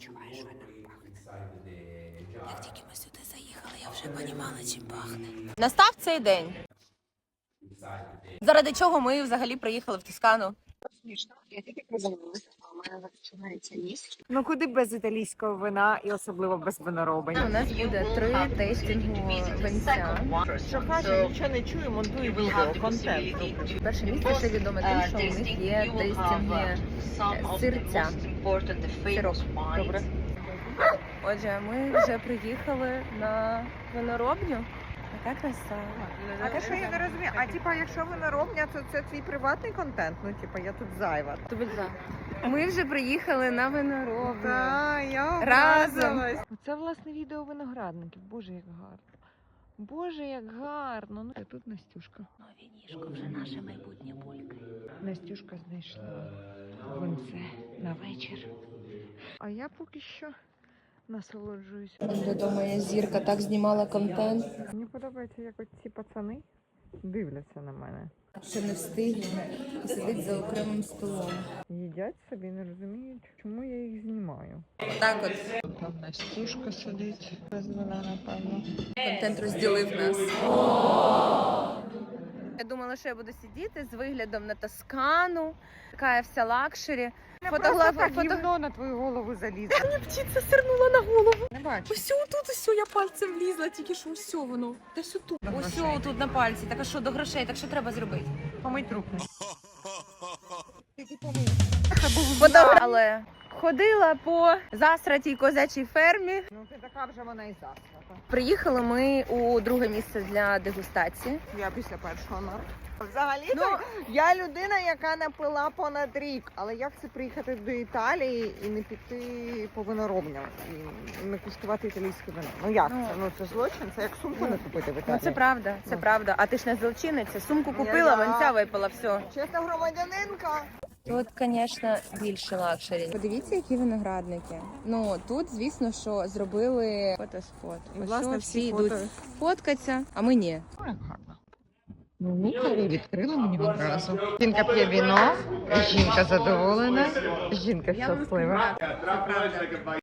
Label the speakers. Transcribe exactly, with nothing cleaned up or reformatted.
Speaker 1: відчуваю, що нам пахне. Як тільки ми сюди заїхали, я вже розуміла, чим пахне. Настав цей день. Заради чого ми взагалі приїхали в Тоскану?
Speaker 2: Смішно, я тільки приземлилася, а у мене починається ніс.
Speaker 3: Ну куди без італійського вина і особливо без винороблення.
Speaker 1: У нас буде три тейстингу винця.
Speaker 3: Що каже, нічого не чую, монтую відео, контент.
Speaker 1: Перше місце ще відоме тим, що у них є тейстинги сирця. Сироп.
Speaker 3: Добре.
Speaker 1: Отже, ми вже приїхали на виноробню. Яка краса.
Speaker 3: А те, що я не розумію, а типа, якщо виноробня, то це твій приватний контент? Ну, типа, я тут зайва.
Speaker 1: Ми вже приїхали на виноробню.
Speaker 3: Так, я
Speaker 1: Разом.
Speaker 3: образилась. Це, власне, відео виноградників. Боже, як гарно. Боже, як гарно. Ну, тут Настюшка.
Speaker 1: Нові ніжко, вже наше майбутнє булька.
Speaker 3: Настюшка знайшла винце на вечір. А я поки що насолоджуюсь.
Speaker 1: Де моя зірка так знімала контент.
Speaker 3: Мені подобається, як от ці пацани дивляться на мене.
Speaker 1: Ще не встигли і сидить за окремим столом.
Speaker 3: Їдять собі, не розуміють, чому я їх знімаю.
Speaker 1: Так от.
Speaker 3: Там Настюшка сидить без вина, напевно.
Speaker 1: Контент розділив нас. Я думала, що я буду сидіти з виглядом на Тоскану. Така я вся лакшері.
Speaker 3: Фотограф... так
Speaker 1: фото...
Speaker 3: гівно на твою голову залізла.
Speaker 1: Птиця сирнула на голову.
Speaker 3: Не бачу.
Speaker 1: Ось тут, ось я пальцем влізла, тільки що ось воно. Десь тут.
Speaker 3: До
Speaker 1: Ось
Speaker 3: грошей.
Speaker 1: тут на пальці. Так а що, до грошей, так що треба зробити?
Speaker 3: Помить руки.
Speaker 1: Фото... Але ходила по засратій козячій фермі.
Speaker 3: Ну ти така вже вона і засрата.
Speaker 1: Приїхали ми у друге місце для дегустації.
Speaker 3: Я після першого нар. Взагалі,
Speaker 1: Ну,
Speaker 3: я людина, яка напила понад рік. Але як це приїхати до Італії і не піти по виноробням і не куштувати італійське вино? Ну як
Speaker 1: Ну,
Speaker 3: це? Ну це злочин, це як сумку не купити в
Speaker 1: Ну
Speaker 3: Італії.
Speaker 1: це правда, це
Speaker 3: Ну.
Speaker 1: правда. А ти ж не злочинниця. Сумку
Speaker 3: Я-
Speaker 1: купила,
Speaker 3: я-
Speaker 1: венця випила, все.
Speaker 3: Чесна громадянинка.
Speaker 1: Тут, звісно, більше лакшері. Подивіться, які виноградники. Ну тут, звісно, що зробили фотоспот.
Speaker 3: І,
Speaker 1: Ось
Speaker 3: власне,
Speaker 1: що,
Speaker 3: всі
Speaker 1: всі
Speaker 3: фото-
Speaker 1: йдуть фоткатися, а ми ні.
Speaker 3: Ну, як гарно. Ну, і відкрила мені одразу. Жінка п'є віно, жінка задоволена, жінка щаслива.